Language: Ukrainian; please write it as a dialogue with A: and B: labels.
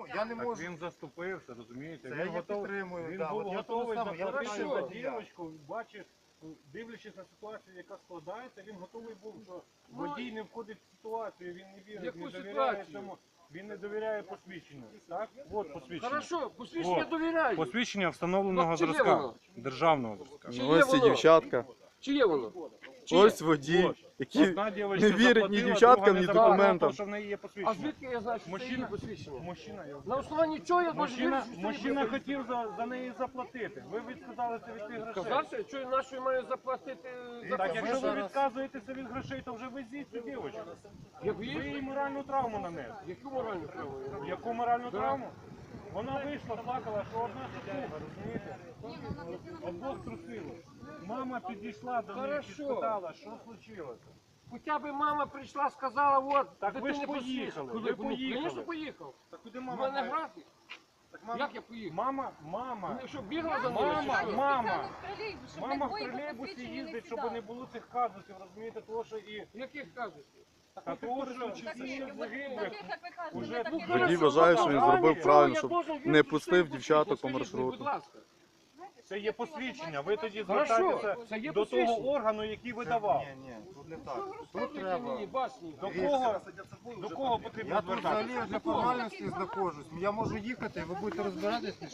A: я не можу.
B: Він заступився, розумієте?
A: Це
B: Він
A: я
B: готовий,
A: підтримую,
B: він
A: да,
B: був
A: от я
B: готовий
A: тому самому,
B: заплатити
A: я
B: за
A: підтримую.
B: дівчинку, бачив, дивлячись на ситуацію, яка складається, він готовий був, що водій не входить в ситуацію, він не вірить,
C: Яку
B: не довіряє
C: ситуацію?
B: цьому. Він не довіряє посвідченню. Так? От посвідчення.
C: Хорошо, посвідчення
B: От.
C: довіряю.
B: Посвідчення встановленого
C: Ну, чи є
B: зразка.
C: воно?
B: Державного зразка.
C: Чи
D: Ну,
C: є
D: ось ці
C: воно?
D: дівчатка.
C: Чи є воно? Чи
D: Ось
C: є?
D: водій,
B: От.
D: який
B: Одна дівчинка
D: не вірить ні
B: заплатила,
D: дівчаткам,
B: друга
D: ні
B: не заплатила,
D: документам.
B: тому що в неї є
C: А
B: посвідчення.
C: звідки я знаю, що це її
B: Мужчина,
C: посвідчення?
B: мужчина, я
C: На основанні чого я должен
B: Мужчина,
C: вирішити, що це
B: мужчина
C: її
B: хотів за неї заплатити. Ви відказалися від тих грошей.
C: Казався, що я нашою маю заплатити за
B: Так,
C: посвідчення?
B: якщо ви відказуєтеся від грошей, то вже везіть цю дівчинку.
C: Як
B: Ви
C: є?
B: їй моральну травму нанесли.
C: Яку моральну право?
B: Яку моральну травму? Вона вийшла, плакала, що одна ситуга, розумієте? Обох трусило. Мама підійшла до неї і
C: Хорошо.
B: спитала, що случилося.
C: Хоча б мама прийшла, сказала, от,
B: Так ви ж
C: дитині
B: поїхали,
C: посвідчення.
B: ви
C: Коли?
B: поїхали.
C: Звісно, поїхав.
B: Так куди
C: У
B: мама?
C: мене графік.
B: Так мама,
C: Як я поїхав?
B: мама,
C: Ну, що, бігла за мною?
B: мама,
C: чи що?
B: мама.
E: Щоб
B: Мама в
E: двоє
B: тролейбусі
E: посвідчені
B: їздить,
E: не
B: щоб
E: сідали.
B: не було цих казусів, розумієте, того, що і...
C: Яких кажуть?
B: Та того, що
E: Таких,
B: чисті
E: от
B: загиблих.
E: таких, як ви кажете,
B: Уже
E: ми таких
B: Водій
D: Водій
E: не
D: вважає, що він
B: Чого
D: зробив
B: я
D: правильно,
C: должен
D: щоб
C: вірити,
D: не
C: що
D: пустив
C: це
D: дівчаток по
C: скажіть мені,
D: маршруту.
C: Будь ласка.
B: Це є посвідчення, ви тоді
C: Хорошо,
B: звертаєтеся
C: це є
B: до того
C: посвідчення.
B: органу, який видавав.
A: Ні, тут не
C: Що
A: так.
C: ви
A: Тут
C: розказуєте
A: треба.
C: мені, басні?
B: До кого потрібно
A: Я тут
B: звертатися?
A: взагалі для формальності знаходжусь. Я можу їхати, ви будете розбиратися.